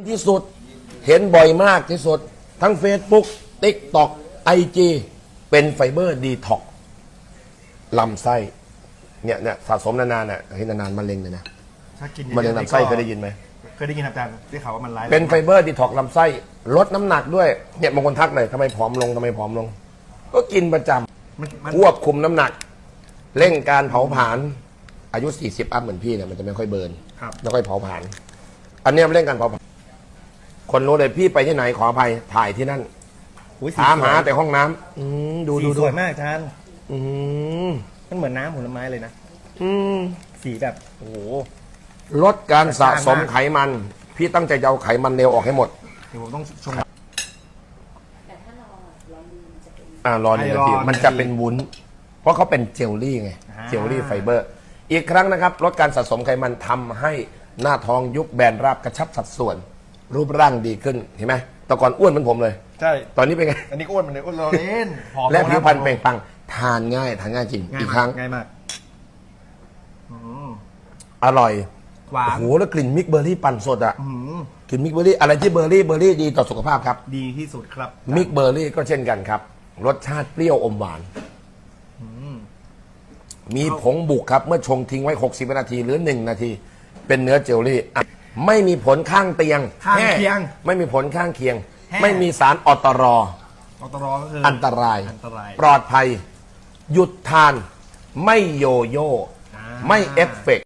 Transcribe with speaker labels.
Speaker 1: ที่สุดเห็นบ่อยมากที่สุดทั้ง Facebook TikTok IG เป็นไฟเบอร์ดีท็อกลำไส้เนี่ยสะสมนานๆน่ะให้นานๆมะเร็งเลยนะ
Speaker 2: ถ้ากิน
Speaker 1: มะเร็งลำไส้เคยได้ยินไหม
Speaker 2: เคยได้ยินอาจารย์ได้ข่าวว่ามันร้าย
Speaker 1: เป็นไฟเบอร์ดีท็อกลำไส้ลดน้ำหนักด้วยเนี่ยบางคนทักเลยทำไมผอมลงก็กินประจำควบคุมน้ำหนักเร่งการเผาผลาญอายุ40อัพเหมือนพี่เนี่ยมันจะไม่ค่อยเบิร์นไม่ค่อยเผาผลาญอันนี้มันเร่งการเผาผลาญคนรู้เลยพี่ไปที่ไหนขออภัยถ่ายที่นั่นถามหาแต่ห้องน้ำดู
Speaker 2: สวยมากอาจารย์มันเหมือนน้ำผลไม้เลยนะสีแบบโอ้โห
Speaker 1: ลดการสะสมไขมันพี่ตั้งใจจะเอาไขมันเลวออกให้หมด
Speaker 2: เดี๋ยวผมต้องชง
Speaker 3: แต่ถ้ารอมันจะเป็น
Speaker 1: รอ1 นาทีมันจะเป็นวุ้นเพราะเขาเป็นเจลลี่ไงเจลลี่ไฟเบอร์อีกครั้งนะครับลดการสะสมไขมันทำให้หน้าท้องยุบแบนราบกระชับสัดส่วนรูปร่างดีขึ้นเห็นไหมแต่ก่อนอ้วนเหมือนผมเลย
Speaker 2: ใช่
Speaker 1: ตอนนี้เป็นไง
Speaker 2: อันนี้อ้วนมันเลยอ้วนเราเล่น
Speaker 1: และผิวพรรณเปล่งปลั่งทานง่ายจริงอีกครั้ง
Speaker 2: ง่ายมาก
Speaker 1: อร่อย
Speaker 2: หวาน
Speaker 1: โอ้โหแล้วกลิ่นมิกเบอร์รี่ปั่นสดอ่ะกลิ่นมิกเบอร์รี่อะไรที่เบอร์รี่ดีต่อสุขภาพครับ
Speaker 2: ดีที่สุดครับ
Speaker 1: มิกเบอร์รี่ก็เช่นกันครับรสชาติเปรี้ยวอมหวานมีผงบุกครับเมื่อชงทิ้งไว้60 วินาทีหรือ1 นาทีเป็นเนื้อเจลลี่ไม่มีผลข้างเตียงไม่มีผลข้างเคียงไม่มีสารอตร
Speaker 2: ก็คือ
Speaker 1: อันตรายปลอดภัยหยุดทานไม่โยโย่ไม่เอฟเฟกต์